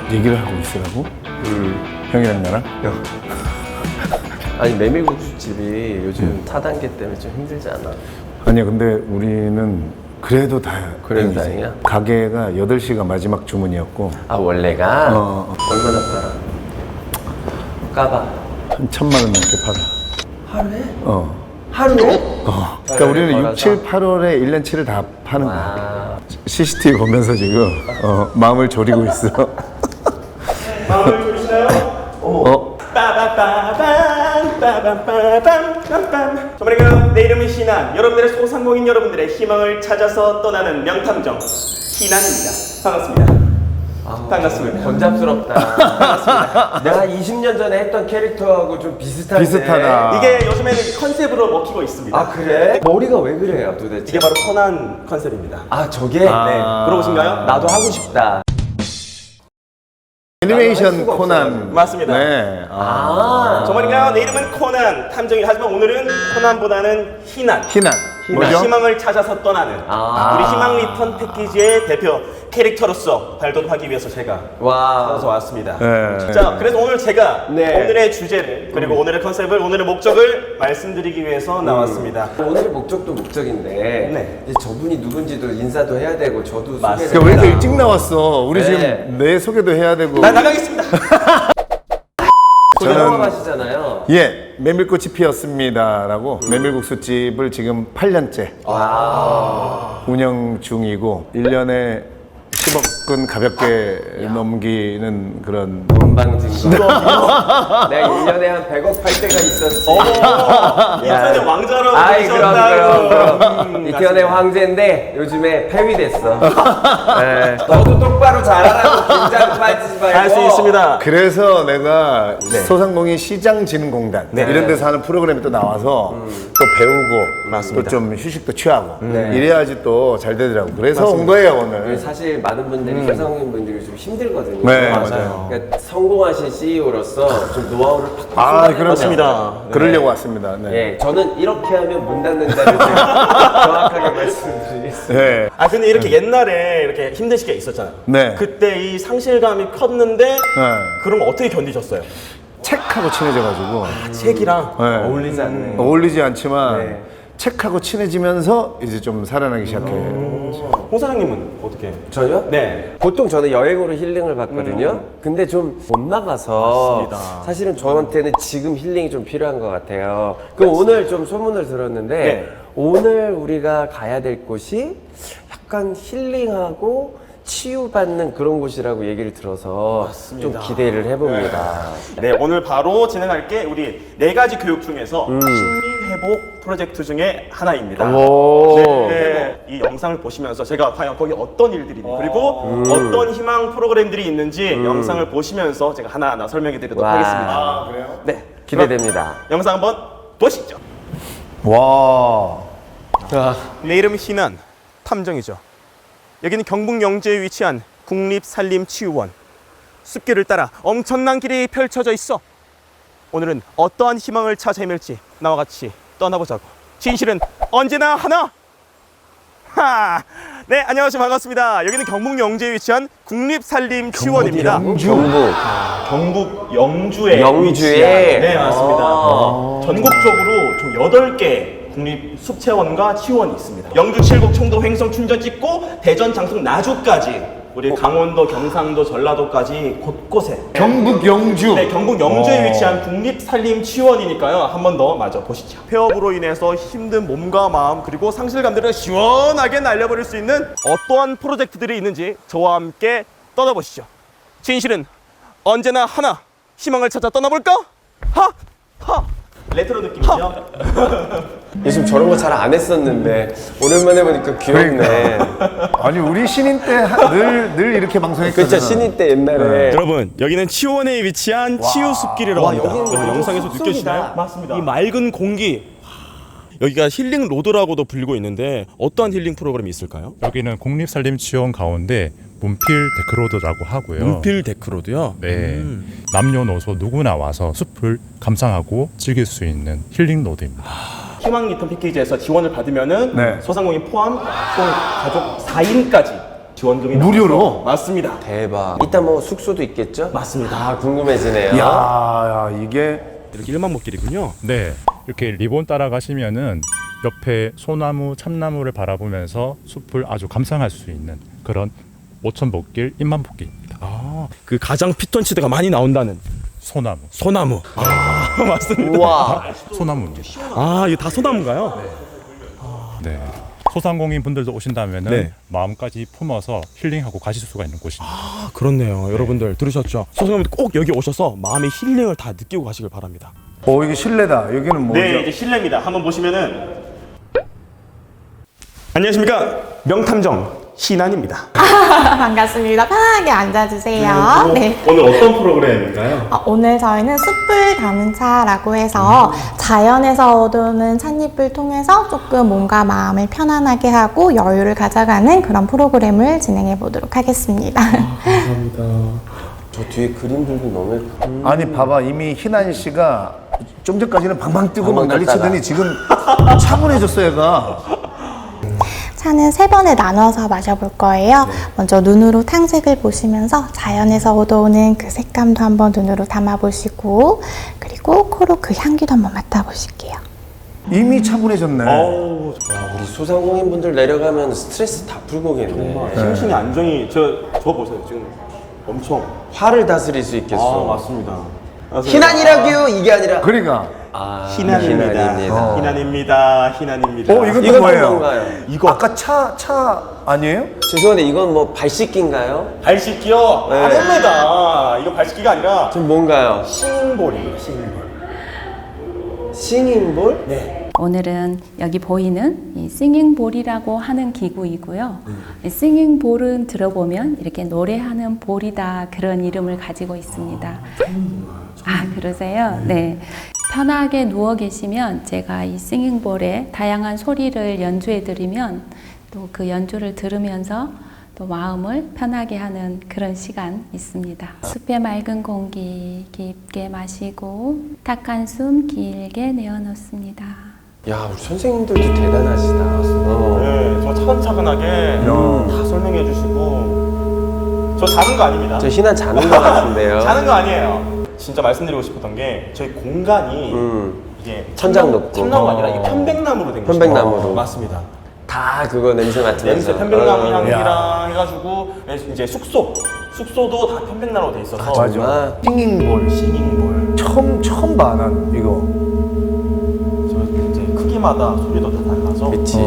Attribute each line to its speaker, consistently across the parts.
Speaker 1: 얘기를 하고 있으라고? 형이랑 나랑?
Speaker 2: 아니 메밀국수집이 요즘 4단계 때문에 좀 힘들지 않아?
Speaker 1: 아니야, 근데 우리는 그래도
Speaker 2: 그래도
Speaker 1: 다행이지.
Speaker 2: 다행이야?
Speaker 1: 가게가 8시가 마지막 주문이었고
Speaker 2: 아 원래가? 얼마나 팔아? 까봐.
Speaker 1: 한 1,000만 원 넘게 팔아.
Speaker 2: 하루에?
Speaker 1: 하루에? 그러니까 우리는 6,
Speaker 2: 걸어서?
Speaker 1: 7, 8월에 1년 7을 다 파는 거야.
Speaker 2: 아.
Speaker 1: CCTV 보면서 지금 마음을 졸이고 있어.
Speaker 3: 마음을 졸이시나요? 빠바빠밤 빠밤빠밤 정말인가요? 내 이름은 희난. 여러분들의 소상공인 여러분들의 희망을 찾아서 떠나는 명탐정 희난입니다. 반갑습니다. 반갑습니다.
Speaker 2: 번잡스럽다. 반갑습니다. 내가 20년 전에 했던 캐릭터하고 좀 비슷한데.
Speaker 1: 비슷하다.
Speaker 3: 이게 요즘에는 컨셉으로 먹히고 있습니다.
Speaker 2: 아 그래? 머리가 왜 그래요 도대체?
Speaker 3: 이게 바로 코난 컨셉입니다.
Speaker 2: 아 저게?
Speaker 3: 네, 물어보신가요?
Speaker 2: 나도 하고 싶다.
Speaker 1: 애니메이션
Speaker 2: 수가
Speaker 1: 코난.
Speaker 2: 없어요.
Speaker 3: 맞습니다.
Speaker 1: 네.
Speaker 3: 정말인가요? 내 이름은 코난 탐정이다. 하지만 오늘은 코난보다는 희난.
Speaker 1: 희난.
Speaker 3: 우리
Speaker 1: 뭐죠?
Speaker 3: 희망을 찾아서 떠나는 우리 희망 리턴 패키지의 대표 캐릭터로서 발돋움하기 위해서 제가
Speaker 2: 와.
Speaker 3: 찾아서 왔습니다.
Speaker 1: 네.
Speaker 3: 자, 그래서 오늘 제가
Speaker 2: 네.
Speaker 3: 오늘의 주제를 그리고 오늘의 컨셉을 오늘의 목적을 말씀드리기 위해서 나왔습니다.
Speaker 2: 오늘의 목적도 목적인데
Speaker 3: 네.
Speaker 2: 이제 저분이 누군지도 인사도 해야 되고 저도
Speaker 3: 맞습니다.
Speaker 2: 소개를
Speaker 1: 그러니까 왜 이렇게
Speaker 2: 해야
Speaker 1: 일찍 나왔어? 우리
Speaker 2: 네.
Speaker 1: 지금 내 소개도 해야 되고.
Speaker 3: 나 나가겠습니다.
Speaker 2: 저는
Speaker 1: 저는-
Speaker 2: 영업하시잖아요.
Speaker 1: 예, 메밀꽃이 피었습니다라고 메밀국수집을 지금 8년째 운영 중이고 1년에 10억은 가볍게 넘기는 그런
Speaker 2: 건방진 거. 내가 1년에 한 100억 팔 때가 있었지.
Speaker 3: 인터넷 왕자로
Speaker 2: 아이
Speaker 3: 부르셨다고.
Speaker 2: 그럼 이태원의 황제인데 요즘에 폐위됐어. 네. 너도 똑바로 잘하라고 긴장 빠지지 말고.
Speaker 3: 할 수 있습니다.
Speaker 1: 그래서 내가 소상공인 시장진흥공단 이런 데서 하는 프로그램이 또 나와서 또 배우고
Speaker 3: 맞습니다.
Speaker 1: 또 좀 휴식도 취하고 이래야지 또 잘 되더라고. 그래서 온 거예요 오늘.
Speaker 2: 사실 많은 분들이 소상공인 분들이 좀 힘들거든요.
Speaker 1: 네,
Speaker 3: 맞아요.
Speaker 2: 그러니까 성공하신 CEO로서 좀 노하우를 팍팍
Speaker 1: 아,
Speaker 2: 쏟아내는
Speaker 3: 그렇습니다.
Speaker 2: 거죠.
Speaker 1: 그러려고 왔습니다. 네.
Speaker 2: 예, 저는 이렇게 하면 문 닫는다를 정확하게 말씀드리겠습니다.
Speaker 1: 네.
Speaker 3: 아 근데 이렇게 옛날에 이렇게 힘든 시기가 있었잖아요.
Speaker 1: 네.
Speaker 3: 그때 이 상실감이 컸는데 그럼 어떻게 견디셨어요?
Speaker 1: 책하고 친해져가지고
Speaker 3: 책이랑
Speaker 1: 네.
Speaker 2: 어울리지 않네.
Speaker 1: 어울리지 않지만
Speaker 2: 네.
Speaker 1: 책하고 친해지면서 이제 좀 살아나기 시작해.
Speaker 3: 홍 사장님은 어떻게?
Speaker 2: 저요?
Speaker 3: 네.
Speaker 2: 보통 저는 여행으로 힐링을 받거든요. 근데 좀 못 나가서
Speaker 3: 맞습니다.
Speaker 2: 사실은 저한테는 지금 힐링이 좀 필요한 것 같아요. 그럼 오늘 좀 소문을 들었는데
Speaker 3: 네.
Speaker 2: 오늘 우리가 가야 될 곳이 약간 힐링하고 치유받는 그런 곳이라고 얘기를 들어서 좀 기대를 해봅니다.
Speaker 3: 네, 오늘 바로 진행할 게 우리 4가지 교육 중에서 심리회복 프로젝트 중에 하나입니다. 네, 이 영상을 보시면서 제가 과연 거기 어떤 일들이 있는지 그리고 어떤 희망 프로그램들이 있는지 영상을 보시면서 제가 하나하나 설명해 드리도록
Speaker 2: 와.
Speaker 3: 하겠습니다. 그래요? 네.
Speaker 2: 기대됩니다.
Speaker 3: 영상 한번 보시죠.
Speaker 1: 와.
Speaker 3: 내 이름은 희난 탐정이죠. 여기는 경북 영주에 위치한 국립산림치유원. 숲길을 따라 엄청난 길이 펼쳐져 있어. 오늘은 어떠한 희망을 찾아 헤맬지 나와 같이 떠나보자고. 진실은 언제나 하나. 하. 네, 안녕하세요. 반갑습니다. 여기는 경북 영주에 위치한 국립산림치유원입니다. 경북 영주에
Speaker 2: 영주에?
Speaker 3: 위치한, 네, 맞습니다. 전국적으로 총 8개 국립 숲체원과 치원이 있습니다. 영주, 칠곡, 청도, 횡성, 춘천 찍고 대전, 장성, 나주까지 우리 강원도, 경상도, 전라도까지 곳곳에
Speaker 1: 경북 영주.
Speaker 3: 네, 경북 영주에 위치한 국립산림치원이니까요. 한 번 더 마저 보시죠. 폐업으로 인해서 힘든 몸과 마음 그리고 상실감들을 시원하게 날려버릴 수 있는 어떠한 프로젝트들이 있는지 저와 함께 떠나보시죠. 진실은 언제나 하나. 희망을 찾아 떠나볼까? 하! 하! 레트로 느낌이죠?
Speaker 2: 요즘 저런 거 잘 안 했었는데 오랜만에 보니까 귀엽네.
Speaker 1: 아니 우리 신인 때 늘 이렇게 방송했거든.
Speaker 2: 그렇죠. 신인 때 옛날에
Speaker 3: 여러분, 여기는 치유원에 위치한 치유숲길이라고 합니다.
Speaker 2: 여기는
Speaker 3: 여러분, 영상에서
Speaker 2: 숲속이다.
Speaker 3: 느껴지나요? 맞습니다. 이 맑은 공기. 여기가 힐링 로드라고도 불리고 있는데 어떠한 힐링 프로그램이 있을까요?
Speaker 4: 여기는 국립산림치원 가운데 문필 데크로드라고 하고요.
Speaker 3: 문필 데크로드요?
Speaker 4: 네, 남녀노소 누구나 와서 숲을 감상하고 즐길 수 있는 힐링 로드입니다.
Speaker 3: 희망 리턴 패키지에서 지원을 받으면은
Speaker 1: 네.
Speaker 3: 소상공인 포함 총 가족 4인까지 지원금이
Speaker 1: 무료로?
Speaker 3: 나와서. 맞습니다.
Speaker 2: 대박. 이따 뭐 숙소도 있겠죠?
Speaker 3: 맞습니다.
Speaker 2: 아, 궁금해지네요.
Speaker 1: 야, 이게
Speaker 3: 이렇게 1만 목길이군요.
Speaker 4: 네, 이렇게 리본 따라가시면은 옆에 소나무, 참나무를 바라보면서 숲을 아주 감상할 수 있는 그런 5,000복길, 1만복길입니다.
Speaker 3: 그 가장 피톤치드가 많이 나온다는
Speaker 4: 소나무,
Speaker 3: 소나무. 맞습니다.
Speaker 2: 우와.
Speaker 4: 소나무입니다.
Speaker 3: 이거 다 소나무인가요?
Speaker 4: 네. 소상공인 분들도 오신다면은
Speaker 3: 네.
Speaker 4: 마음까지 품어서 힐링하고 가실 수가 있는 곳입니다.
Speaker 3: 그렇네요. 여러분들 들으셨죠? 소상공인들 꼭 여기 오셔서 마음의 힐링을 다 느끼고 가시길 바랍니다.
Speaker 1: 이게 실내다. 여기는 뭐죠?
Speaker 3: 네, 이제 실내입니다. 한번 보시면은 안녕하십니까? 명탐정 신한입니다.
Speaker 5: 반갑습니다. 편하게 앉아주세요. 네.
Speaker 3: 오늘 어떤 프로그램인가요?
Speaker 5: 오늘 저희는 숯불 감차라고 해서 자연에서 얻어오는 찻잎을 통해서 조금 몸과 마음을 편안하게 하고 여유를 가져가는 그런 프로그램을 진행해 보도록 하겠습니다.
Speaker 2: 저 뒤에 그림들도 너무 예뻐.
Speaker 1: 아니 봐봐, 이미 희난 씨가 좀 전까지는 방방 뛰고 막
Speaker 2: 방방
Speaker 1: 난리치더니 지금 차분해졌어 얘가.
Speaker 5: 차는 3번에 나눠서 마셔볼 거예요. 먼저 눈으로 탕색을 보시면서 자연에서 얻어오는 그 색감도 한번 눈으로 담아보시고, 그리고 코로 그 향기도 한번 맡아보실게요.
Speaker 1: 이미 차분해졌네.
Speaker 2: 우리 소상공인 분들 내려가면 스트레스 다 풀고 오겠네.
Speaker 3: 심신의 안정이 저 보세요. 지금 엄청
Speaker 2: 화를 다스릴 수 있겠어.
Speaker 3: 맞습니다.
Speaker 2: 희난이라규 이게 아니라.
Speaker 1: 그러니까.
Speaker 3: 희난입니다. 희난입니다. 희난입니다.
Speaker 1: 이건 또
Speaker 2: 이건
Speaker 1: 뭐예요?
Speaker 2: 뭔가요?
Speaker 1: 이거 아까 차 아니에요?
Speaker 2: 죄송한데 이건 뭐 발 씻기인가요?
Speaker 3: 발 씻기요?
Speaker 2: 네.
Speaker 3: 아닙니다. 이거 발 씻기가 아니라
Speaker 2: 좀 뭔가요?
Speaker 3: 싱볼입니다. 싱볼.
Speaker 2: 싱잉볼?
Speaker 3: 네.
Speaker 6: 오늘은 여기 보이는 이 싱잉볼이라고 하는 기구이고요. 이 싱잉볼은 들어보면 이렇게 노래하는 볼이다 그런 이름을 가지고 있습니다. 그러세요? 네. 편하게 누워 계시면 제가 이 싱잉볼에 다양한 소리를 연주해 드리면 또 그 연주를 들으면서 또 마음을 편하게 하는 그런 시간 있습니다. 숲의 맑은 공기 깊게 마시고 탁한 숨 길게 내어놓습니다.
Speaker 2: 야, 우리 선생님들도 대단하시다.
Speaker 3: 네, 저 차근차근하게 다 설명해 주시고 저 자는 거 아닙니다.
Speaker 2: 저 희난 자는 것 같은데요.
Speaker 3: 자는 거 아니에요. 진짜 말씀드리고 싶었던 게 저희 공간이 이게
Speaker 2: 천장 높고.
Speaker 3: 참나무가 아니라 이게 편백나무로 된 거죠.
Speaker 2: 편백나무로.
Speaker 3: 맞습니다.
Speaker 2: 다 그거 냄새 맡으면서.
Speaker 3: 냄새 편백나무
Speaker 2: 어.
Speaker 3: 향이랑 해가지고 이제 숙소도 다 편백나무로 돼 있어서
Speaker 2: 정말.
Speaker 1: 싱잉볼.
Speaker 3: 싱잉볼.
Speaker 1: 처음 봐, 난 이거.
Speaker 3: 저 이제 크기마다 소리도 다 달라서.
Speaker 2: 그치.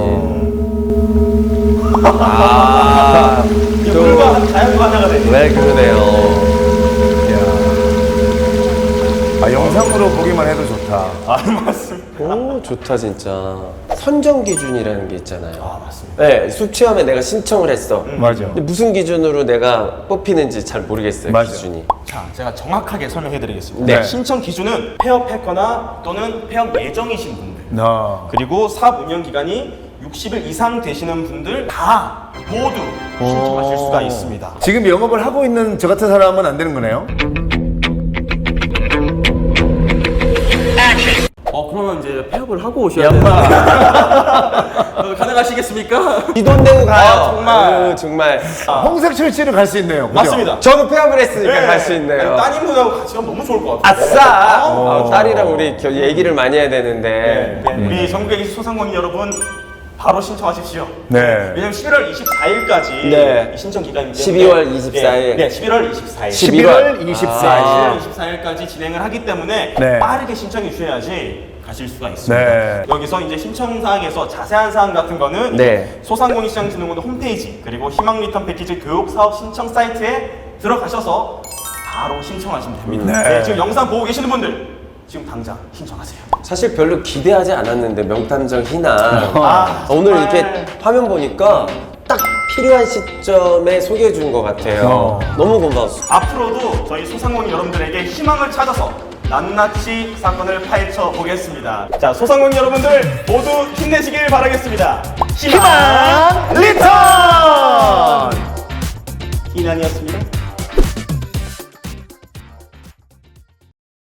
Speaker 3: 이게 물과 자연과 하나가 되죠.
Speaker 2: 네, 그러네요.
Speaker 1: 영상으로 보기만 해도 좋다.
Speaker 3: 맞습니다.
Speaker 2: 오, 좋다, 진짜. 선정 기준이라는 게 있잖아요.
Speaker 3: 맞습니다.
Speaker 2: 네, 숲 체험에 내가 신청을 했어.
Speaker 1: 맞아.
Speaker 2: 근데 무슨 기준으로 내가 뽑히는지 잘 모르겠어요,
Speaker 1: 맞아.
Speaker 2: 기준이.
Speaker 3: 자, 제가 정확하게 설명해 드리겠습니다.
Speaker 2: 네.
Speaker 3: 신청 기준은 폐업했거나 또는 폐업 예정이신 분들, 그리고 사업 운영 기간이 60일 이상 되시는 분들 다 모두 신청하실 수가 있습니다.
Speaker 1: 지금 영업을 하고 있는 저 같은 사람은 안 되는 거네요?
Speaker 3: 그러면 이제 폐업을 하고 오셔야 돼요. 가능하시겠습니까?
Speaker 2: 이 돈 내고 가요.
Speaker 3: 정말.
Speaker 2: 정말.
Speaker 1: 홍색 철치를 갈 수 있네요. 그죠?
Speaker 3: 맞습니다.
Speaker 2: 저도 폐업을 했으니까 갈 수 있네요.
Speaker 3: 따님분하고 같이 가면 너무 좋을 것 같아요.
Speaker 2: 아싸! 딸이랑 우리 얘기를 많이 해야 되는데.
Speaker 3: 우리 전국에 계신 소상공인 여러분 바로 신청하십시오.
Speaker 1: 네.
Speaker 3: 왜냐면 11월 24일까지
Speaker 2: 네.
Speaker 3: 신청 기간인데
Speaker 2: 12월 24일.
Speaker 3: 네, 11월 24일.
Speaker 1: 11월 24일.
Speaker 3: 11월 24일까지 진행을 하기 때문에
Speaker 1: 네.
Speaker 3: 빠르게 신청해 주셔야지 가실 수가 있습니다.
Speaker 1: 네.
Speaker 3: 여기서 이제 신청 사항에서 자세한 사항 같은 거는
Speaker 2: 네.
Speaker 3: 소상공인시장진흥원 홈페이지 그리고 희망 리턴 패키지 교육 사업 신청 사이트에 들어가셔서 바로 신청하시면 됩니다. 네, 지금 영상 보고 계시는 분들 지금 당장 신청하세요.
Speaker 2: 사실 별로 기대하지 않았는데 명탐정 희난 오늘
Speaker 3: 정말.
Speaker 2: 이렇게 화면 보니까 딱 필요한 시점에 소개해 준 것 같아요. 너무 고마웠어.
Speaker 3: 앞으로도 저희 소상공인 여러분들에게 희망을 찾아서 낱낱이 사건을 파헤쳐 보겠습니다. 자, 소상공인 여러분들 모두 힘내시길 바라겠습니다. 희망
Speaker 1: 리턴!
Speaker 3: 희난이었습니다.